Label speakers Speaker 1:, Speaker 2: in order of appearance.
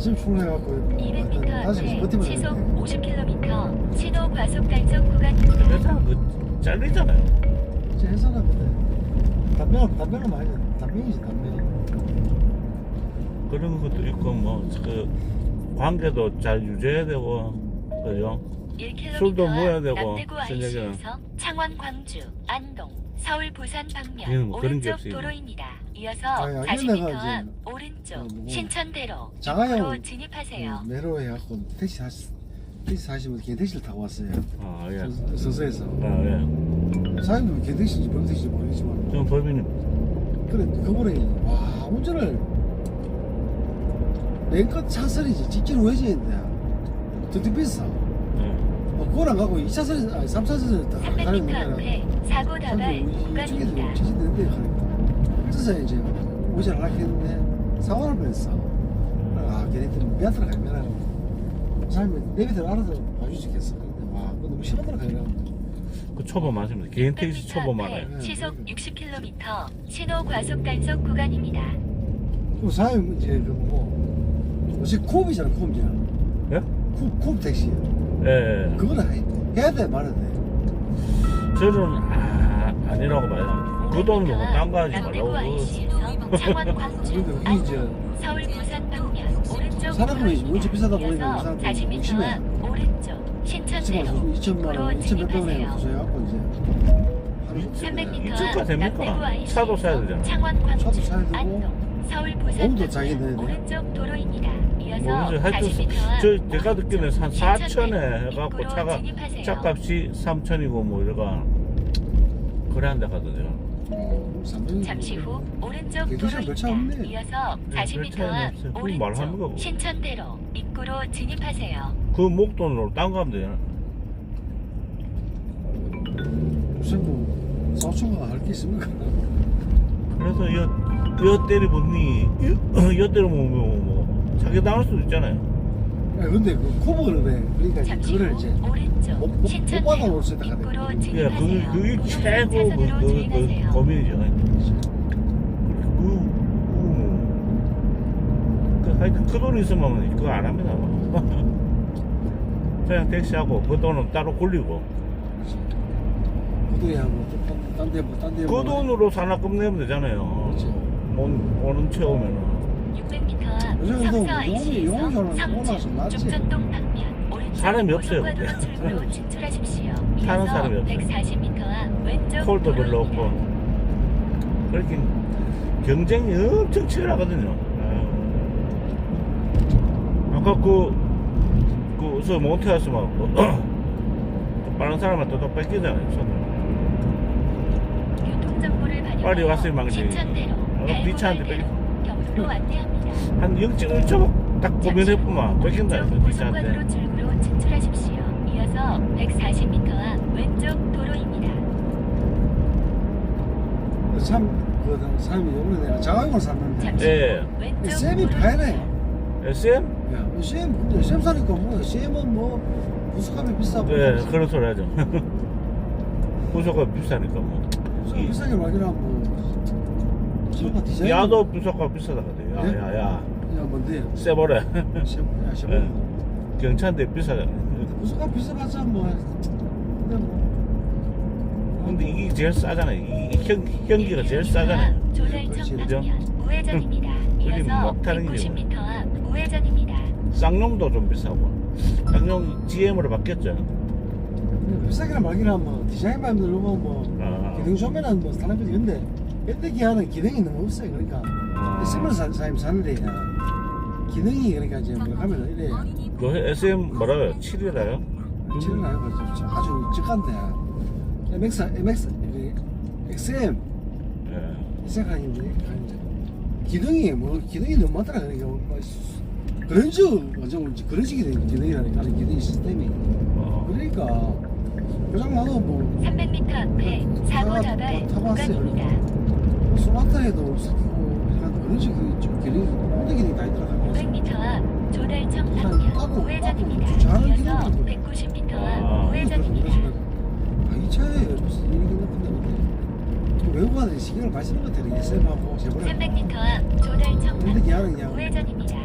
Speaker 1: 아침 출근해갖고
Speaker 2: 200m
Speaker 1: 다시
Speaker 2: 앞에
Speaker 1: 버티면
Speaker 2: 시속
Speaker 1: 되는데
Speaker 2: 50km 신호 과속 단속 구간.
Speaker 3: 회사 그 잘리잖아요.
Speaker 1: 제 회사는 근데 담배는 많이 담배이지 담배.
Speaker 3: 그런 것도 있고 뭐 그 관계도 잘 유지해야 되고 그죠?
Speaker 2: 1km
Speaker 3: 술도 모여야 되고,
Speaker 2: 남대구
Speaker 3: 저녁에는.
Speaker 2: IC에서 창원, 광주, 안동, 서울, 부산
Speaker 3: 얘는
Speaker 2: 방면
Speaker 3: 뭐 그런 게
Speaker 2: 오른쪽
Speaker 3: 없어요.
Speaker 2: 도로입니다. 이어서
Speaker 1: 아니,
Speaker 2: 40m
Speaker 1: 내가
Speaker 2: 앞
Speaker 1: 이제
Speaker 2: 오른쪽
Speaker 1: 뭐
Speaker 2: 신천대로
Speaker 1: 장하영
Speaker 2: 입구로 진입하세요.
Speaker 1: 매로 해갖고 택시 사시면 개택시를 타고 왔어요.
Speaker 3: 아 예.
Speaker 1: 서서에서
Speaker 3: 아 예.
Speaker 1: 사장님은 개택시인지 범택시인지 모르겠지만
Speaker 3: 저는 법인입니다.
Speaker 1: 그래 그분이 와 운전을 맨끝 차선이지 직진 우회전인데 더 비싸.
Speaker 3: 예.
Speaker 1: 그걸 안 가고 2차선 아니 3차선을 딱
Speaker 2: 300m 앞에 사고 다발 구간입니다.
Speaker 1: 지진되는데 가니까 그래서 이제 우회전을 하려고 했는데 사고를 냈어. 아 걔네들 미안하더라 가면 사람이 내 밑에 알아서 봐주시겠어. 근데 와 그거 너무 심하더라 가면
Speaker 3: 그 초보 많습니다. 개인 택시
Speaker 2: 600m
Speaker 3: 초보
Speaker 2: 앞에
Speaker 3: 많아요.
Speaker 2: 시속 60km 신호 과속 단속 구간입니다.
Speaker 1: 그 사장님 이제 그 뭐고 요새 쿱이잖아 쿱이잖아.
Speaker 3: 예?
Speaker 1: 쿱 택시.
Speaker 3: 예.
Speaker 1: 그거는 해야 돼 말아야 돼.
Speaker 3: 저는 아니라고 봐요. 그 돈으로 딴 거 하지
Speaker 2: 남대구
Speaker 3: 말라고.
Speaker 2: IC에서 창원, 광주,
Speaker 1: 근데 우리
Speaker 2: 안동,
Speaker 1: 이제
Speaker 2: 서울, 부산 방면 오른쪽
Speaker 1: 사람이 원체 비싸다 보니까
Speaker 2: 이어서
Speaker 1: 사람들이
Speaker 2: 40m
Speaker 1: 의심해.
Speaker 2: 앞 오른쪽 신천대로
Speaker 1: 2천만 원,
Speaker 2: 입구로
Speaker 1: 2,100만 원에
Speaker 2: 진입하세요.
Speaker 1: 도서해갖고 이제
Speaker 2: 300m
Speaker 3: 이쪽가
Speaker 2: 앞
Speaker 3: 됩니까?
Speaker 2: 남대구
Speaker 3: 차도 사야
Speaker 2: IC에서
Speaker 3: 되잖아.
Speaker 2: 창원, 광주,
Speaker 1: 차도 사야 되고,
Speaker 2: 안동, 서울, 부산
Speaker 1: 몸도 자기
Speaker 2: 방면
Speaker 1: 내야 돼.
Speaker 2: 오른쪽 도로입니다. 이어서
Speaker 3: 모르죠. 하여튼
Speaker 2: 40m
Speaker 3: 저 제가 듣기는 한 4천에 해갖고
Speaker 2: 입구로
Speaker 3: 차가
Speaker 2: 진입하세요.
Speaker 3: 차값이 3천이고 뭐 이래가 그래 한다 하거든요.
Speaker 2: 잠시 후 오른쪽
Speaker 1: 개도시락 별차
Speaker 2: 도로입니다.
Speaker 1: 없네.
Speaker 2: 이어서
Speaker 3: 네,
Speaker 2: 40m
Speaker 3: 별 차이는
Speaker 2: 앞
Speaker 3: 없어요. 그건 말하는 거고.
Speaker 2: 오른쪽 신천대로 입구로 진입하세요.
Speaker 3: 그 목돈으로 딴 거 하면 되잖아.
Speaker 1: 무슨 뭐 사초가 할 게 있습니까?
Speaker 3: 그래서 여 때리보니 여 때리면 뭐 자기 당할 수도 있잖아요.
Speaker 1: 야, 근데 그 코브를 해. 그러니까 이제
Speaker 2: 잠시
Speaker 1: 그거를
Speaker 2: 후
Speaker 1: 이제
Speaker 2: 오른쪽
Speaker 1: 못 받아올
Speaker 2: 신천대로
Speaker 1: 수 있다
Speaker 2: 입구로
Speaker 1: 하거든.
Speaker 3: 예,
Speaker 2: 진입하세요.
Speaker 3: 그게 최고
Speaker 2: 차선으로
Speaker 3: 그
Speaker 2: 주행하세요.
Speaker 3: 고민이죠. 하여튼 그 돈이 있으면 그거 안 합니다. 그냥 택시하고 그 돈은 따로 굴리고
Speaker 1: 그 돈이 하고 딴데
Speaker 3: 그 돈으로 산악금 내면 되잖아요.
Speaker 1: 그렇지.
Speaker 3: 오는 채우면은
Speaker 2: 600m 앞
Speaker 1: 요즘도
Speaker 2: 성서 IC에서
Speaker 1: 용이 올라서
Speaker 2: 성주
Speaker 1: 낫지.
Speaker 2: 죽전동 방면 오른쪽
Speaker 3: 사람이 없어요,
Speaker 2: 고속과도로
Speaker 3: 근데.
Speaker 2: 출구로 진출하십시오.
Speaker 3: 타는
Speaker 2: 이어서
Speaker 3: 사람이 없어요.
Speaker 2: 140m 앞 왼쪽
Speaker 3: 콜도 별로
Speaker 2: 도로입니다.
Speaker 3: 없고 그렇게 경쟁이 엄청 치열하거든요. 아까 저 몬테하스만 빠른 사람한테 또 뺏기잖아요. 손을.
Speaker 2: 교통정보를
Speaker 3: 빨리
Speaker 2: 반영하여
Speaker 3: 왔어요, 망치.
Speaker 2: 신천대로
Speaker 3: 비차한테
Speaker 2: 경로로 안내합니다.
Speaker 3: 한 0.1초 딱 고민해보면 뺏긴다.
Speaker 2: 오른쪽
Speaker 3: 비차한테.
Speaker 2: 고속과도로 출구로 진출하십시오. 이어서 140m 앞 왼쪽 도로입니다.
Speaker 1: 그 사람이 요번에 내가 자가용을 샀는데
Speaker 2: 잠시
Speaker 3: 예.
Speaker 2: 후 왼쪽
Speaker 1: 쌤이
Speaker 2: 도로입니다.
Speaker 1: 파네.
Speaker 3: SM?
Speaker 1: 야, 근데 쌤 사니까 뭐 쌤은 뭐 부수값이 비싸고
Speaker 3: 네, 그런 소리 하죠. 부서가 비싸니까 뭐.
Speaker 1: 부수값 비싸게 말이라 뭐 차가 디자인
Speaker 3: 야도 부서가 비싸다 그래.
Speaker 1: 네?
Speaker 3: 야.
Speaker 1: 야 뭔데?
Speaker 3: 세버래.
Speaker 1: 야
Speaker 3: 예. 경차인데 비싸잖아.
Speaker 1: 부수값 비싸봤자 뭐 근데 뭐
Speaker 3: 근데 이게 제일 싸잖아요. 이 현기가 제일 싸잖아요.
Speaker 2: 조달청
Speaker 1: 그죠?
Speaker 2: 방면 우회전입니다.
Speaker 3: 여기
Speaker 2: 이어서
Speaker 3: 막 타는 게
Speaker 2: 190m 앞 우회전입니다.
Speaker 3: 쌍용도 좀 비싸고. 쌍용 GM으로 바뀌었죠.
Speaker 1: 비싸게나 말기나 뭐 디자인만 들어보면 뭐
Speaker 3: 아.
Speaker 1: 기능 좋으면은 뭐 사람들이 근데 현대 기아는 기능이 너무 없어요. 그러니까 SM 사람이 사는데 기능이 그러니까 이제 뭐 가면은 이래
Speaker 3: 그 SM 뭐라고요? 7이라요?
Speaker 1: 치는 나요. 아주 적한데 MX XM
Speaker 3: 예.
Speaker 1: 생각하는데 기능이 너무 많더라. 그러니까 그런지 완전 그런지 기능이라니까 기능 시스템이 그러니까 고장 나도 뭐
Speaker 2: 300m 앞에 사고 다발 구간입니다.
Speaker 1: 소나타에도 그런지 그 기능이 모든 기능이 다 있더라.
Speaker 2: 500m 앞 조달청 방면 우회전입니다. 이어서 190m 앞 우회전입니다.
Speaker 1: 이 차에 무슨 일이 있는데 외국인들이 신경을 많이 쓰는 것 같아요. SM하고 제보를
Speaker 2: 300m 앞 조달청
Speaker 1: 근데 기아는
Speaker 2: 방면
Speaker 1: 그냥
Speaker 2: 우회전입니다.